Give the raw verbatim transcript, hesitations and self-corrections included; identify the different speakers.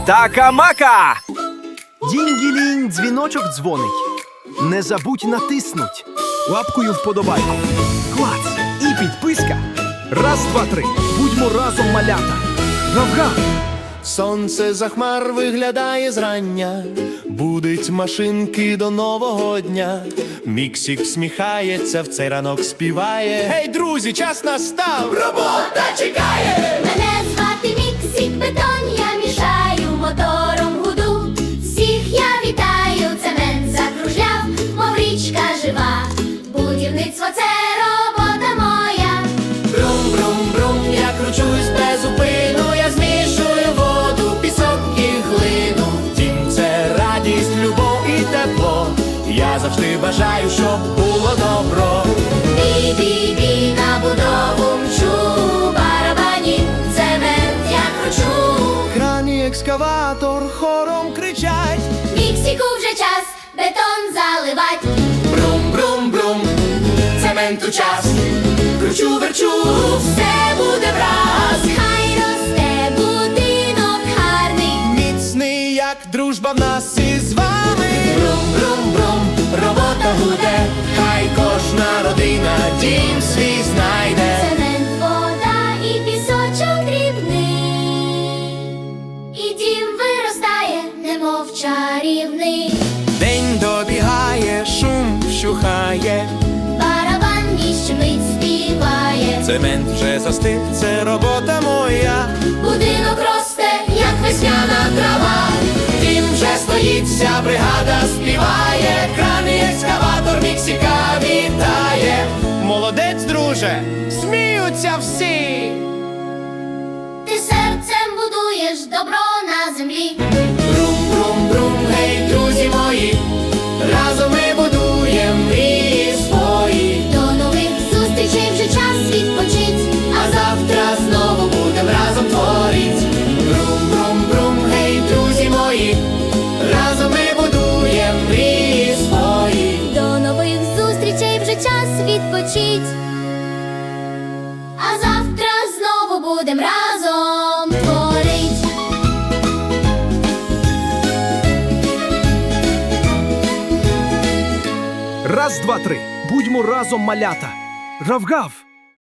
Speaker 1: Така-мака!
Speaker 2: Дінь-ділінь, дзвіночок дзвонить. Не забудь натиснуть. Лапкою вподобайку. Клац і підписка. Раз, два, три. Будьмо разом, малята. Гав-гав!
Speaker 3: Сонце за хмар виглядає зрання, будить машинки до нового дня. Міксік всміхається, в цей ранок співає. Гей, друзі, час настав! Робота чекає!
Speaker 4: Мене звати Міксік Бетон, я мішаю мотором гуду. Всіх я вітаю, цемент закружляв, мов річка жива. Будівництво – це робота моя.
Speaker 3: Брум-брум-брум, я кручусь без зупину, я змішую воду, пісок і глину. Дім – це радість, любов і тепло. Я завжди бажаю, щоб було добро.
Speaker 4: Бі-бі-бі, на будову мчу, барабані, цемент я кручу.
Speaker 3: Кран і екскаватор хором кричать.
Speaker 4: Міксіку вже час бетон заливать.
Speaker 3: Брум-брум-брум, цементу час. Кручу, верчу, все буде враз.
Speaker 4: Хай росте будинок гарний.
Speaker 3: Міцний, як дружба в нас із вами. Брум-брум-брум, робота гуде. Хай кожна родина дім свій знайде.
Speaker 4: Цемент, вода і пісочок дрібний. І дім виростає, немов чарівний.
Speaker 3: День добігає, шум вщухає.
Speaker 4: Барабан ніч мить співає.
Speaker 3: Цемент вже застиг, це робота моя.
Speaker 4: Будинок росте, як весняна трава.
Speaker 3: Дім вже стоїть, вся бригада співає. Кран і екскаватор Міксіка вітає. Молодець, друже, сміються всі.
Speaker 4: Ти серцем будуєш добро на землі.
Speaker 3: Брум-брум-брум, гей, друзі мої, разом ми будуєм мрії свої.
Speaker 4: До нових зустрічей вже час відпочить.
Speaker 3: А завтра знову будем разом творить. Брум-брум-брум, гей, друзі мої, разом ми будуєм мрії свої.
Speaker 4: До нових зустрічей вже час відпочить. А завтра знову будем разом творить.
Speaker 2: Раз, два, три. Будьмо разом, малята. Гав-гав!